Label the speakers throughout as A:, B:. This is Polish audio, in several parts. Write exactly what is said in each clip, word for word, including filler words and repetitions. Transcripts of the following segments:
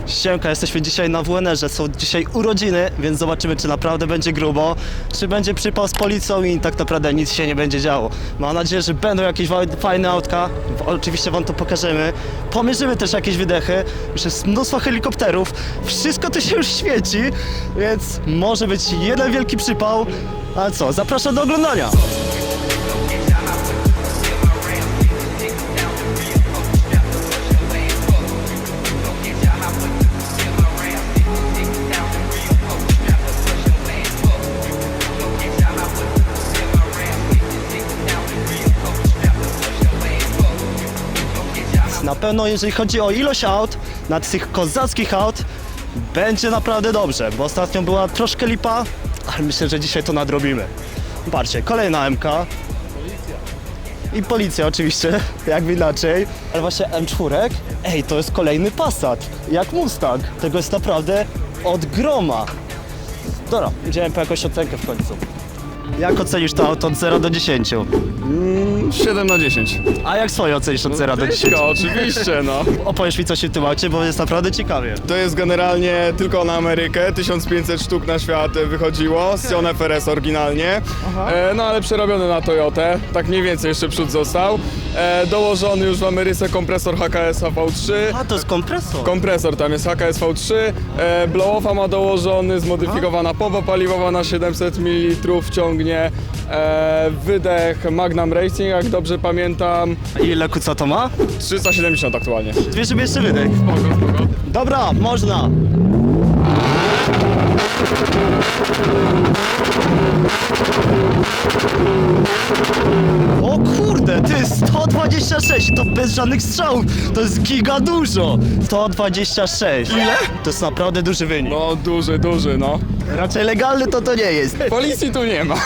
A: Siemka, jesteśmy dzisiaj na W N R-ze, są dzisiaj urodziny, więc zobaczymy, czy naprawdę będzie grubo, czy będzie przypał z policją i tak naprawdę nic się nie będzie działo. Mam nadzieję, że będą jakieś fajne autka, oczywiście wam to pokażemy. Pomierzymy też jakieś wydechy, już jest mnóstwo helikopterów, wszystko to się już świeci, więc może być jeden wielki przypał. A co, zapraszam do oglądania! Na pewno jeżeli chodzi o ilość aut, na tych kozackich aut, będzie naprawdę dobrze, bo ostatnio była troszkę lipa, ale myślę, że dzisiaj to nadrobimy. Patrzcie, kolejna M K. Policja. I policja oczywiście, jakby inaczej. Ale właśnie M cztery, ej, to jest kolejny Passat, jak Mustang. Tego jest naprawdę od groma. Dobra, idziemy po jakąś ocenkę w końcu. Jak ocenisz to auto od zera do dziesięciu?
B: siedem na dziesięć.
A: A jak swoje ocenisz od zera do dziesięciu?
B: Oczywiście, no.
A: Opowiesz mi coś w tym aucie, bo jest naprawdę ciekawie.
B: To jest generalnie tylko na Amerykę, tysiąc pięćset sztuk na świat wychodziło, z Sion F R S oryginalnie, e, no ale przerobiony na Toyotę, tak mniej więcej jeszcze przód został. E, dołożony już w Ameryce kompresor H K S H V trzy.
A: A, to jest kompresor.
B: Kompresor tam jest H K S V trzy, e, blow-offa ma dołożony, zmodyfikowana pompa paliwowa na siedemset mililitrów ciągnie, e, wydech Magnum Racing, jak dobrze pamiętam,
A: A ile kuca to ma?
B: trzysta siedemdziesiąt aktualnie.
A: Wiesz, żeby jeszcze wydech. Dobra, można. O kurde, ty, sto dwadzieścia sześć, to bez żadnych strzałów, to jest giga dużo. sto dwadzieścia sześć. Ile? To jest naprawdę duży wynik.
B: No duży, duży, no.
A: Raczej legalny to to nie jest.
B: Policji tu nie ma.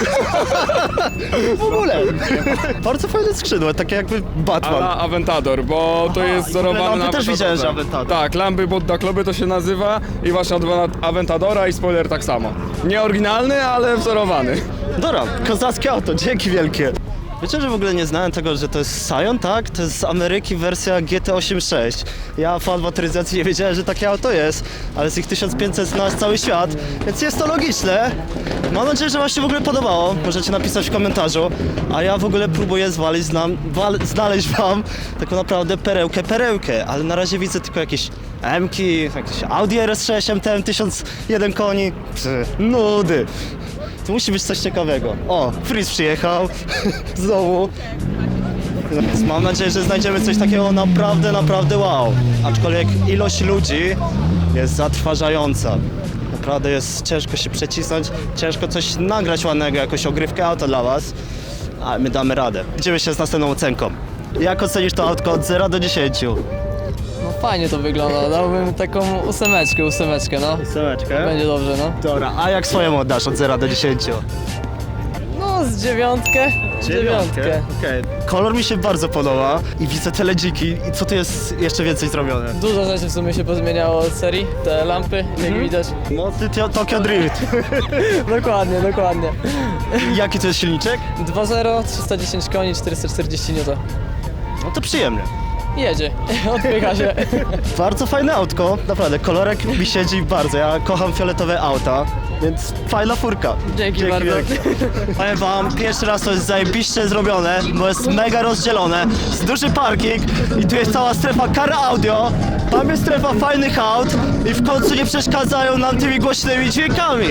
A: W ogóle. Bardzo fajne skrzydła, takie jakby Batman.
B: Ale Aventador, bo to
A: Aha,
B: jest
A: i
B: wzorowane
A: lampy
B: na
A: też widziałem, że
B: Aventadorze.
A: Aventador.
B: Tak, lampy Bodda Kloby to się nazywa i właśnie od Aventadora i spoiler tak samo. Nie oryginalny, ale wzorowany.
A: Dobra, kozackie auto, dzięki wielkie. Wiecie, że w ogóle nie znałem tego, że to jest Scion, tak? To jest z Ameryki wersja G T osiemdziesiąt sześć. Ja fan motoryzacji nie wiedziałem, że takie auto jest, ale z ich tysiąc pięćset zna cały świat, więc jest to logiczne. Mam nadzieję, że wam się w ogóle podobało, możecie napisać w komentarzu, a ja w ogóle próbuję zwalić, znam, wal, znaleźć wam taką naprawdę perełkę, perełkę, ale na razie widzę tylko jakieś M-ki, jakieś Audi R S sześć M T M tysiąc jeden koni, Przy, nudy. To musi być coś ciekawego. O, Freeze przyjechał. Znowu. Więc mam nadzieję, że znajdziemy coś takiego naprawdę, naprawdę wow. Aczkolwiek ilość ludzi jest zatrważająca. Naprawdę jest ciężko się przecisnąć, ciężko coś nagrać ładnego, jakąś ogrywkę auta dla was. Ale my damy radę. Idziemy się z następną ocenką. Jak ocenisz to autko od zera do dziesięciu?
C: No fajnie to wygląda, dałbym taką ósemeczkę, ósemeczkę, no.
A: Ósemeczkę.
C: Będzie dobrze, no.
A: Dobra, a jak swoją oddasz od zera do dziesięciu?
C: No, z dziewiątkę. Dziewiątkę.
A: Okej. Kolor mi się bardzo podoba i widzę te ledziki i co tu jest jeszcze więcej zrobione?
C: Dużo rzeczy w sumie się pozmieniało od serii, te lampy, jak widać.
A: No ty Tio- Tokyo Drift.
C: Dokładnie, dokładnie.
A: Jaki to jest silniczek?
C: dwa zero, trzysta dziesięć koni, czterysta czterdzieści niutów.
A: No to przyjemnie.
C: Jedzie, odpycha się.
A: Bardzo fajne autko, naprawdę, kolorek mi siedzi bardzo, ja kocham fioletowe auta, więc fajna furka.
C: Dzięki bardzo.
A: wielkie. Powiem wam, pierwszy raz to jest zajebiście zrobione, bo jest mega rozdzielone, jest duży parking i tu jest cała strefa car audio, tam jest strefa fajnych aut i w końcu nie przeszkadzają nam tymi głośnymi dźwiękami.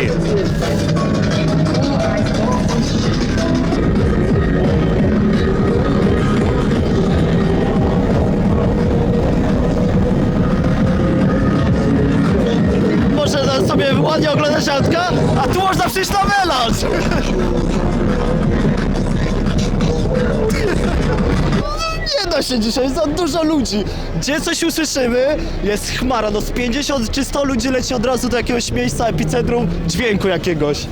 A: Można sobie ładnie oglądać autka, a tu można przyjść na melanż! Nie da się dzisiaj, za dużo ludzi. Gdzie coś usłyszymy, jest chmara, no z pięćdziesiąt czy sto ludzi leci od razu do jakiegoś miejsca, epicentrum dźwięku jakiegoś.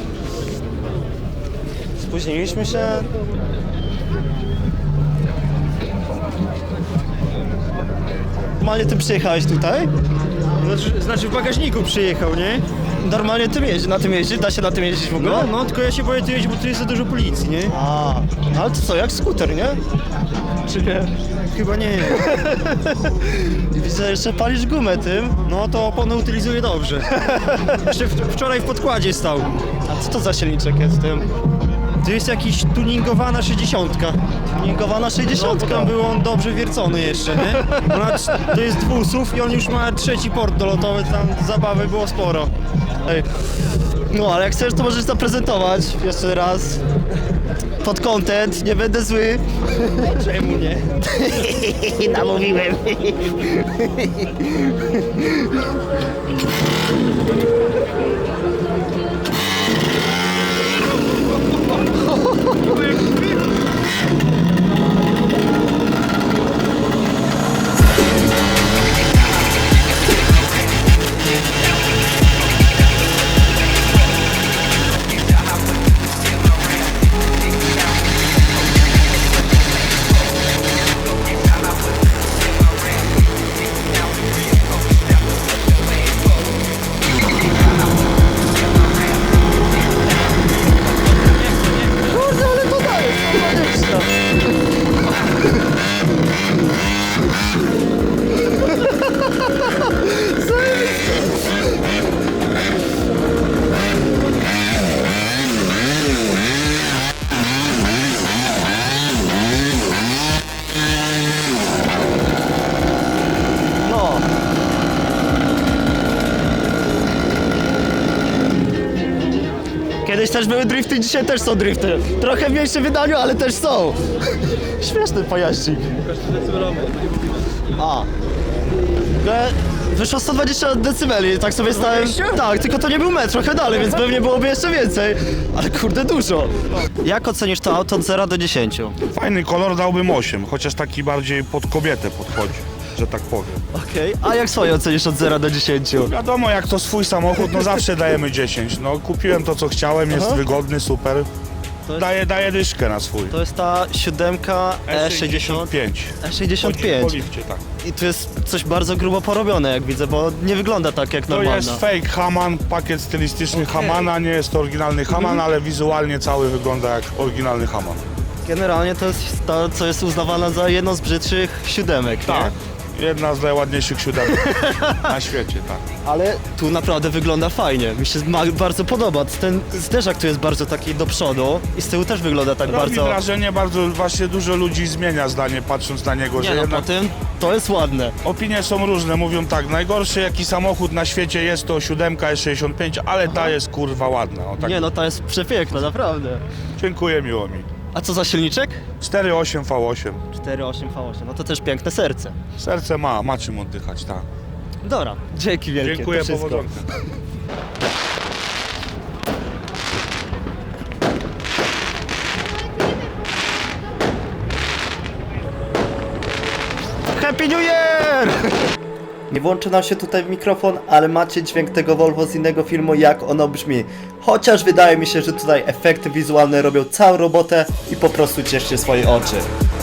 A: Spóźniliśmy się. normalnie tym przyjechałeś tutaj?
D: Znaczy, znaczy w bagażniku przyjechał, nie?
A: Normalnie tym jeździ, na tym jeździ? Da się na tym jeździć w ogóle?
D: No, no, tylko ja się boję tu jeździć, bo tu jest za dużo policji, nie?
A: A, no ale to co, jak skuter, nie? Czy nie?
D: Chyba nie.
A: I widzę, że jeszcze palisz gumę tym.
D: No to opony utylizuje dobrze. Jeszcze w, wczoraj w podkładzie stał.
A: A co to za silniczek jest w tym?
D: To jest jakiś tuningowana sześćdziesiątka.
A: Tuningowana
D: No, bo
A: sześćdziesiątka.
D: tam był on dobrze wiercony jeszcze, nie? Ona, to jest dwusów i on już ma trzeci port dolotowy, tam zabawy było sporo.
A: Ej. No, ale jak chcesz, to możesz zaprezentować jeszcze raz. Pod content, nie będę zły.
D: Czemu nie?
A: Namówiłem. Kurde, ale to daje, to No. Kiedyś też były drifty, dzisiaj też są drifty. Trochę w mniejszym wydaniu, ale też są. Śmieszny pojaździk. A. Ale wyszło sto dwadzieścia decybeli, tak sobie stałem. Tak, tylko to nie był metr, trochę dalej, więc pewnie byłoby jeszcze więcej. Ale kurde, dużo. Jak ocenisz to auto od zera do dziesięciu?
E: Fajny kolor, dałbym osiem, chociaż taki bardziej pod kobietę podchodzi, że tak powiem.
A: Okej, a jak swoje ocenisz od zera do dziesięciu?
E: Wiadomo, jak to swój samochód, no zawsze dajemy dziesięć. No kupiłem to, co chciałem, jest
A: Aha.
E: wygodny, super.
A: To jest-
E: Daję, daję dyszkę na swój.
A: To jest ta siódemka E sześćdziesiąt.
E: pięć.
A: E sześćdziesiąt
E: Po
A: pięć.
E: lifcie, tak.
A: I tu jest coś bardzo grubo porobione, jak widzę, bo nie wygląda tak jak
E: To
A: normalna.
E: jest fake Haman, pakiet stylistyczny Hamana, nie jest to oryginalny Haman, ale wizualnie cały wygląda jak oryginalny Haman.
A: Generalnie to jest to, co jest uznawane za jedną z brzydszych siódemek,
E: Tak.
A: nie?
E: Jedna z najładniejszych siódemek na świecie, tak.
A: Ale tu naprawdę wygląda fajnie. Mi się ma- bardzo podoba. Ten zderzak tu jest bardzo taki do przodu i z tyłu też wygląda tak
E: Robi
A: bardzo...
E: wrażenie, bardzo właśnie dużo ludzi zmienia zdanie patrząc na niego,
A: Nie
E: że
A: no,
E: jednak
A: po tym to jest ładne.
E: opinie są różne, mówią tak, najgorszy jaki samochód na świecie jest to siódemka E sześćdziesiąt pięć, ale ta jest kurwa ładna. O, tak.
A: Nie no, ta jest przepiękna, naprawdę.
E: Dziękuję, miło mi.
A: A co za silniczek?
E: cztery osiem V osiem.
A: cztery osiem V osiem, no to też piękne serce.
E: Serce ma, ma czym oddychać, tak.
A: Dobra, dzięki wielkie.
E: Dziękuję,
A: to wszystko.
E: powodzonka.
A: Happy New Year! Nie włączy nam się tutaj mikrofon, ale macie dźwięk tego Volvo z innego filmu, jak ono brzmi. Chociaż wydaje mi się, że tutaj efekty wizualne robią całą robotę i po prostu cieszcie swoje oczy.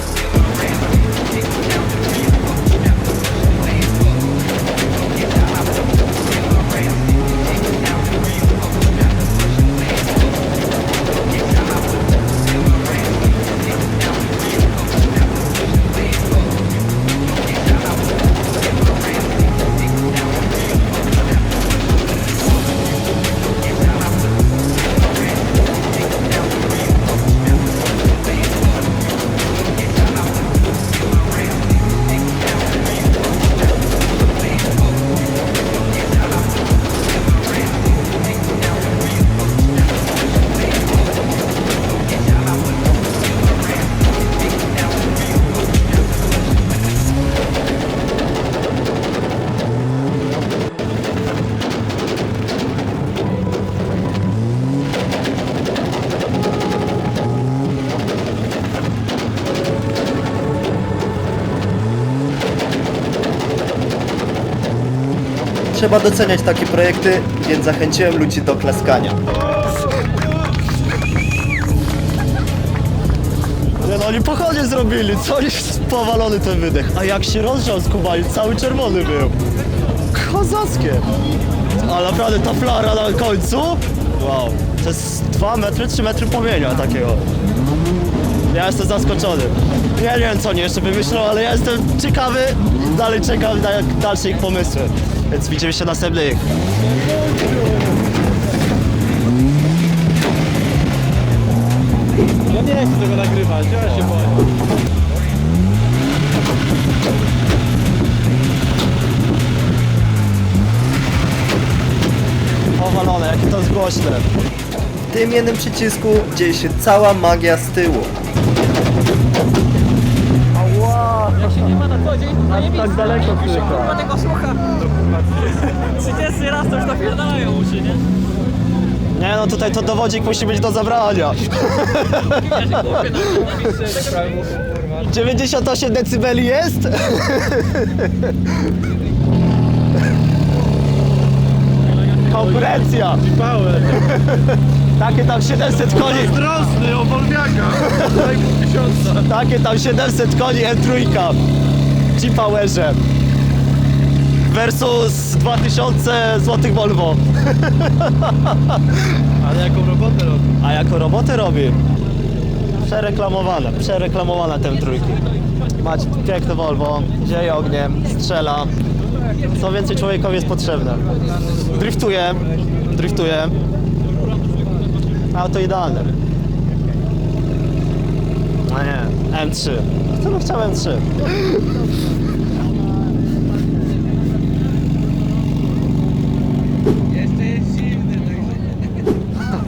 A: Trzeba doceniać takie projekty, więc zachęciłem ludzi do klaskania. Nie no, oni pochodzie zrobili, co oni powalony ten wydech. A jak się rozgrzał z Kubani, cały czerwony był. Kozackie. A naprawdę ta flara na końcu, wow, to jest dwa metry, trzy metry płomienia takiego. Ja jestem zaskoczony. Ja nie wiem co oni jeszcze wymyślą, ale ja jestem ciekawy, dalej czekam na dalsze ich pomysły. Więc widzimy się następnych.
D: Ja nie chcę tego nagrywać, ja się boję.
A: Powalone, jakie to jest głośne. W tym jednym przycisku dzieje się cała magia z tyłu. Ała!
C: Jak się nie ma na co dzień, to
A: Aż tak daleko tylko.
C: kurwa tego słucha. trzydziesty raz to już napierdalają uszy, nie?
A: Nie no, tutaj to dowodzik musi być do zabrania. dziewięćdziesiąt osiem decybeli jest? Konkurencja!
D: Power.
A: Takie tam siedemset koni.
D: Drosny, obolwiaka.
A: Takie tam siedemset koni M trzy. G-Powerze. Versus dwa tysiące złotych Volvo.
D: Ale jaką robotę robi?
A: A jako robotę robi? Przereklamowane, przereklamowane te M trzy. Macie piękne Volvo, zieje ogniem, strzela. Co więcej człowiekowi jest potrzebne. Driftuje, driftuje. Auto idealne. A nie, M trzy. Kto by chciał M trzy?
C: Jeszcze jest zimny, także...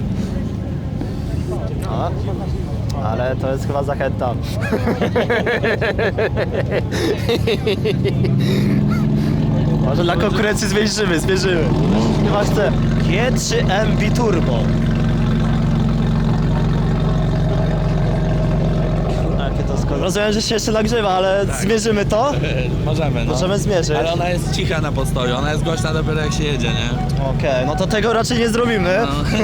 A: A, ale to jest chyba zachęta. Może dla konkurencji zmierzymy, zmierzymy. Chyba chcę G trzy M Biturbo. Jakie to skoro. Rozumiem, że się jeszcze nagrzewa, ale zmierzymy to?
F: Możemy, no.
A: Możemy zmierzyć.
F: Ale ona jest cicha na postoju, ona jest głośna dopiero jak się jedzie, nie?
A: Okej, no to tego raczej nie zrobimy.
F: No.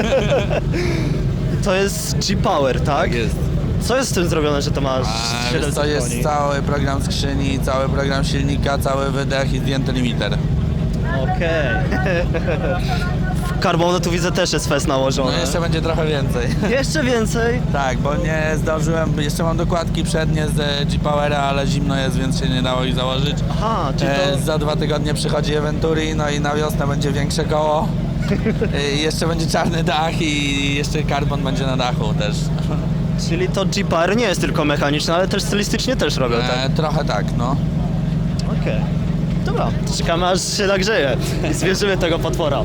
A: To jest G-Power, tak?
F: Jest.
A: Co jest z tym zrobione, że to masz
F: A, wiesz
A: siedemset
F: co, jest
A: koni?
F: cały program skrzyni, cały program silnika, cały wydech i zdjęty limiter.
A: Okej. W Carbonu tu widzę też jest fest nałożony.
F: No jeszcze będzie trochę więcej.
A: Jeszcze więcej?
F: Tak, bo nie zdążyłem, jeszcze mam dokładki przednie z G-Powera, ale zimno jest, więc się nie dało ich założyć.
A: Aha, czyli
F: E,
A: to...
F: za dwa tygodnie przychodzi Venturi, no i na wiosnę będzie większe koło. E, jeszcze będzie czarny dach i jeszcze karbon będzie na dachu też.
A: Czyli to G-Power nie jest tylko mechaniczne, ale też stylistycznie też robią, tak?
F: E, trochę tak, no.
A: Okej. Dobra, czekamy aż się nagrzeje i zwierzymy tego potwora.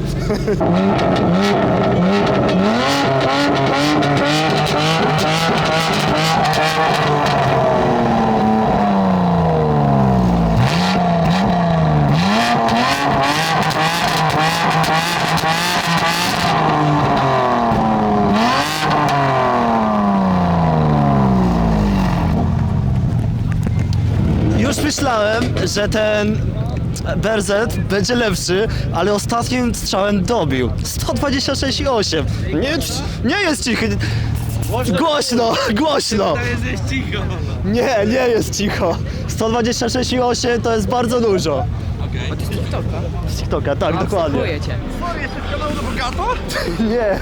A: Już myślałem, że ten B R Z będzie lepszy, ale ostatnim strzałem dobił. sto dwadzieścia sześć i osiem. Nie, nie jest cichy. Głośno, głośno.
F: jest cicho.
A: Nie, nie jest cicho. sto dwadzieścia sześć i osiem to jest bardzo dużo.
F: Okay.
A: Z TikToka, tak, dokładnie.
C: Cię.
A: Nie.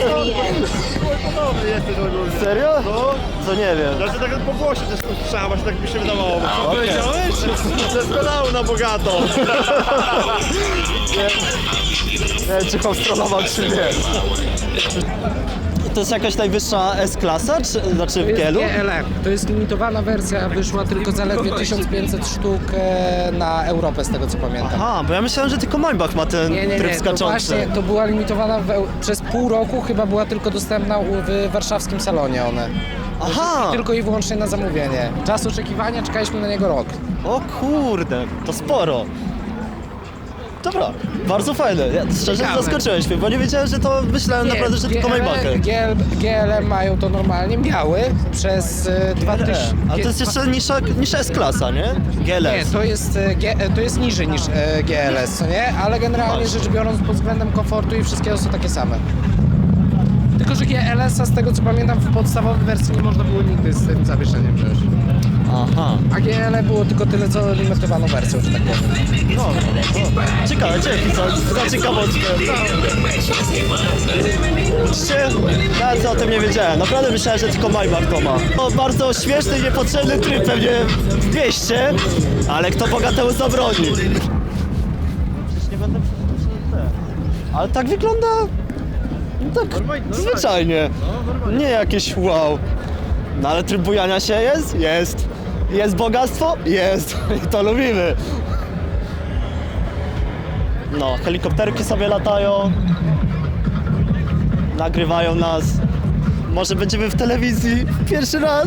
A: Serio? Co nie wiem.
D: Znaczy tak po głosie też słyszałem, właśnie tak mi się wydawało.
A: Okej.
D: Powiedziałeś? Ze skanału na bogato.
A: Nie wiem, czy kontrolował, czy nie. To jest jakaś najwyższa S-klasa, czy znaczy w Gielu?
G: G L M. To jest limitowana wersja, wyszła tylko zaledwie tysiąc pięćset sztuk e, na Europę, z tego co pamiętam.
A: Aha, bo ja myślałem, że tylko Maybach ma ten
G: Nie, nie,
A: tryb
G: nie, to
A: skaczący.
G: właśnie, to była limitowana w, Eu- przez pół roku, chyba była tylko dostępna u, w warszawskim salonie one.
A: Aha!
G: Tylko i wyłącznie na zamówienie. Czas oczekiwania, czekaliśmy na niego rok.
A: O kurde, to sporo. Dobra, bardzo fajne. Ja, szczerze
G: Ciekawe.
A: zaskoczyłeś mnie, bo nie wiedziałem, że to myślałem naprawdę, że tylko Maybachy.
G: G L M mają to normalnie, miały przez e, dwa tysiące...
A: Ale to jest jeszcze niższa, niż S-klasa, nie? G L S.
G: Nie, to jest, e, G, e, to jest niżej niż e, G L S, co nie? Ale generalnie rzecz biorąc pod względem komfortu i wszystkiego są takie same. Tylko, że G L S-a z tego co pamiętam w podstawowej wersji nie można było nigdy z tym zawieszeniem wziąć.
A: Aha.
G: A G L E było tylko tyle co limitowaną wersją, że tak powiem.
A: No, no. Ciekawe, dzięki za, za ciekawostkę. Widzicie? Nawet o tym nie wiedziałem. Naprawdę myślałem, że tylko Maybach to ma. To bardzo śmieszny i niepotrzebny tryb pewnie w mieście, ale kto bogatemu zabroni? Przecież nie będę ale tak wygląda... No tak zwyczajnie. Nie jakieś wow. No ale tryb bujania się jest? Jest. Jest bogactwo? Jest. I to lubimy. No, helikopterki sobie latają. Nagrywają nas. Może będziemy w telewizji pierwszy raz.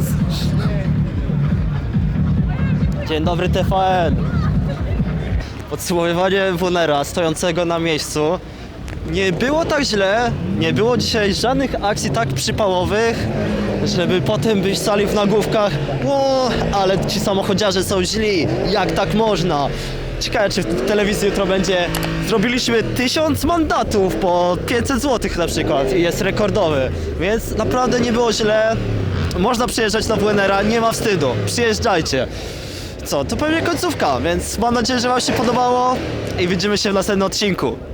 A: Dzień dobry T V N. Podsumowywanie Wonera stojącego na miejscu. Nie było tak źle, nie było dzisiaj żadnych akcji tak przypałowych, żeby potem być sali w nagłówkach. O, ale ci samochodziarze są źli, jak tak można? Ciekawe, czy w telewizji jutro będzie. Zrobiliśmy tysiąc mandatów po pięćset złotych na przykład i jest rekordowy, więc naprawdę nie było źle. Można przyjeżdżać na Wonera, nie ma wstydu, przyjeżdżajcie. Co, to pewnie końcówka, więc mam nadzieję, że wam się podobało i widzimy się w następnym odcinku.